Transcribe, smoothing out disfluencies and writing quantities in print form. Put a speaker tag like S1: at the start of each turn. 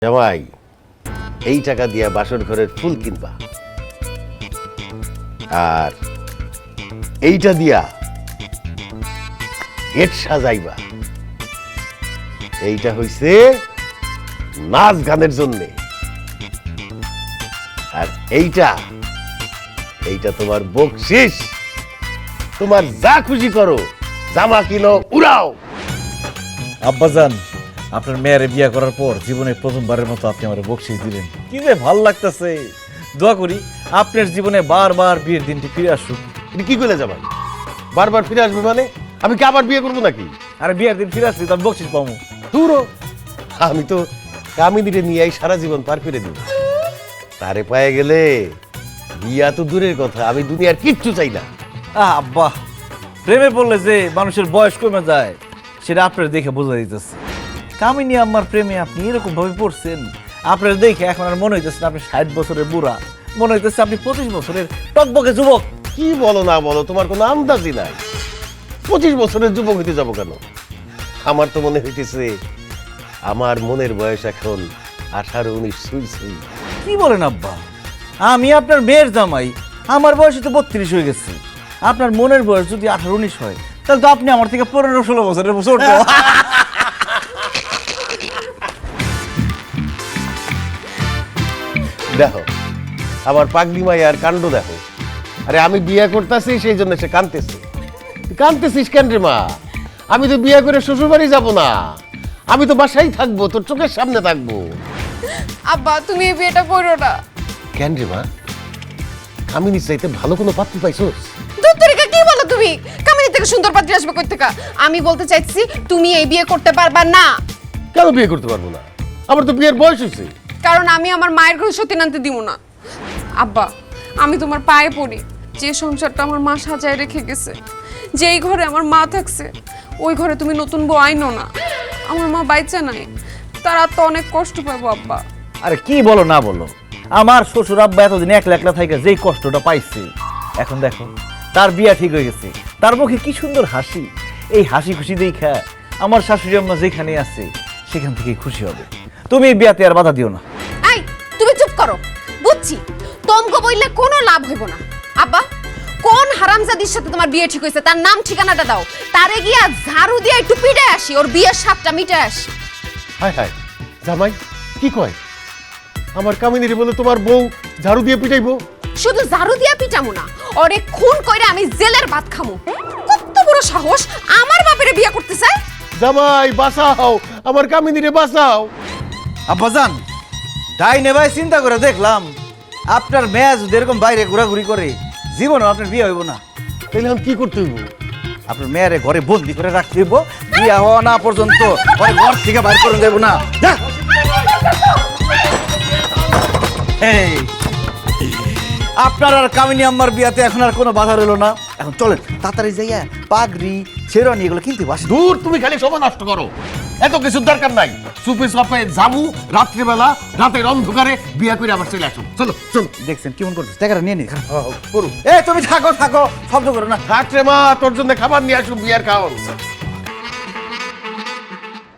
S1: জামাই এই টাকা দিয়া বাসর ঘরের ফুল কিনবা আর এইটা দিয়া গেট সাজাইবা। এইটা হইছে নাচ গানের জন্যে, আর এইটা এইটা তোমার বকশিস। তোমার যা খুশি করো, জামা কিনো, উড়াও।
S2: আব্বাজান, আপনার মেয়ের বিয়ে করার পর জীবনে প্রথমবারের মতো আপনি আমার বকশিস দিলেন, কি যে ভাল লাগতেছে। দোয়া করি আপনার জীবনে বারবার বিয়ের দিনটি ফিরে আসুক।
S1: এটা কি করলে জামাই? বারবার ফিরে আসবে মানে? আমি কি আবার বিয়ে করবো নাকি?
S2: আরে বিয়ের দিন ফিরে আসলে তার বকশিস পাবো।
S1: দূর, আমি তো কামিনীরে নিয়ে সারা জীবন পার করে দিব। তারে পায়ে গেলে বিয়া তো দূরের কথা, আমি দুনিয়ার কিচ্ছু চাই না।
S2: আব্বা, প্রেমে পড়লে যে মানুষের বয়স কমে যায় সেটা আপনার দেখে বোঝা দিতেছে। কামিনী আমার প্রেমে আপনি এরকম ভাবে পড়ছেন, আপনার দেখে এখন আর মনে হইতেছে আপনি 60 বছরের বুড়া, মনে হইতেছে আপনি 25 বছরের টকবকে যুবক।
S1: কি বলো না বলো, তোমার কোনো আন্দাজই নাই। 25 বছরের যুবক হইতে যাবো কেন? আমার তো মনে হইতেছে আমার মনের বয়স এখন 18-19 সুই সুই।
S2: কি বলেন আব্বা? আমি আপনার মেয়ের জামাই, আমার বয়স তো 32 হয়ে গেছে। আপনার মনের বয়স যদি 18-19 হয় তাহলে তো আপনি আমার থেকে 15-16 বছরের ছোট।
S1: দেখো আমার পাগলি মাইয়ার কাণ্ড দেখো। আরে আমি বিয়ে করতেছি সেই জন্য সে কাঁদতেছে। কাঁদতেছিস কেন রে মা? আমি তো বিয়ে করে শ্বশুর বাড়ি যাবো না, আমি তো বাসায় থাকবো, তোর চোখের সামনে থাকবো।
S3: আব্বা তুমি এই বিয়েটা করো না।
S1: কেন রে মা? কামিনী চাইতে ভালো কোনো পাত্রী পাইছোস?
S3: দত্তরিকা কি বলো তুমি? কামিনী থেকে সুন্দর পাত্রী আসবে কই থেকে? আমি বলতে চাইছি তুমি এই বিয়ে করতে পারবা না।
S1: কেন বিয়ে করতে পারবো না? আমার তো বিয়ের বয়স হয়েছে।
S3: কারণ আমি আমার মায়ের ঘরে সত্যি আনতে দিব না। আব্বা আমি তোমার পায়ে পড়ি, যে সংসারটা আমার মা সাজায় রেখে গেছে, যেই ঘরে আমার মা থাকছে ওই ঘরে তুমি নতুন বউ আইনো না। আমার মা বাইচা নাই, তারা তো অনেক কষ্ট পাবো আব্বা।
S2: আরে কি বলো না বলো, আমার শ্বশুর আব্বা এতদিন একলা একলা থেকে যেই কষ্টটা পাইছে, এখন দেখো তার বিয়া ঠিক হয়ে গেছে, তার মুখে কি সুন্দর হাসি। এই হাসি খুশি দেখা আমার শাশুড়ি আম্মা যেখানে আছে সেখান থেকেই খুশি হবে। তুমি এই বিয়াতে আর বাধা দিও না।
S3: এই তুমি চুপ করো, বুঝছি তোমগো বইলে কোনো লাভ হইব না। আব্বা কোন হারামজাদির সাথে তোমার বিয়ে ঠিক হয়েছে তার নাম ঠিকানাটা দাও, তারে গিয়া ঝাড়ু দিয়ে একটু পিটে আসি, ওর বিয়ের স্বাদটা মিটে আসি।
S1: হায় হায়, জামাই কি কয়? আমার কামিনীরে বলে তোমার বউ ঝাড়ু দিয়ে পিটাইবো?
S3: শুধু ঝাড়ু দিয়া পিটামু না, ওরে খুন কইরা আমি জেলের ভাত খামু। কত বড় সাহস আমার বাপের বিয়ে করতে চায়?
S1: জামাই বাঁচাও, আমার কামিনীরে বাঁচাও।
S2: আব্বাজান, ডাইনে ভাই চিন্তা করে দেখলাম আপনার মেয়ে যদি এরকম বাইরে ঘোরাঘুরি করে জীবনে আপনার বিয়ে হইব না।
S1: তাহলে আমি কি করতে হইব?
S2: আপনার মেয়েরে ঘরে বন্দি করে রাখতে হইব, বিয়ে হওয়া না পর্যন্ত ওই ঘর থেকে বাইর করে দেব না। যা। এই, আপনার আর কামিনী আম্মার বিয়াতে এখন আর কোনো বাধা রইল না। এখন চলেন তাড়াতাড়ি যাইয়া পাগড়ি শেরওয়ানি এগুলো কিনতে বাস।
S1: দূর, তুমি খালি সময় নষ্ট করো, এত কিছুর দরকার নাই। সুপে সাপে যাবো রাত্রিবেলা, রাতের অন্ধকারে বিয়ে করে আবার চলে আসো। চলো চলো।
S2: দেখছেন কেমন করতেছে, টাকাটা নিয়ে নি।
S1: করুন।
S2: এই তুমি থাকো থাকো, শব্দ করো না।
S1: থাক রে মা, তোর জন্য খাবার নিয়ে আসুন, বিয়ার খাওয়ান।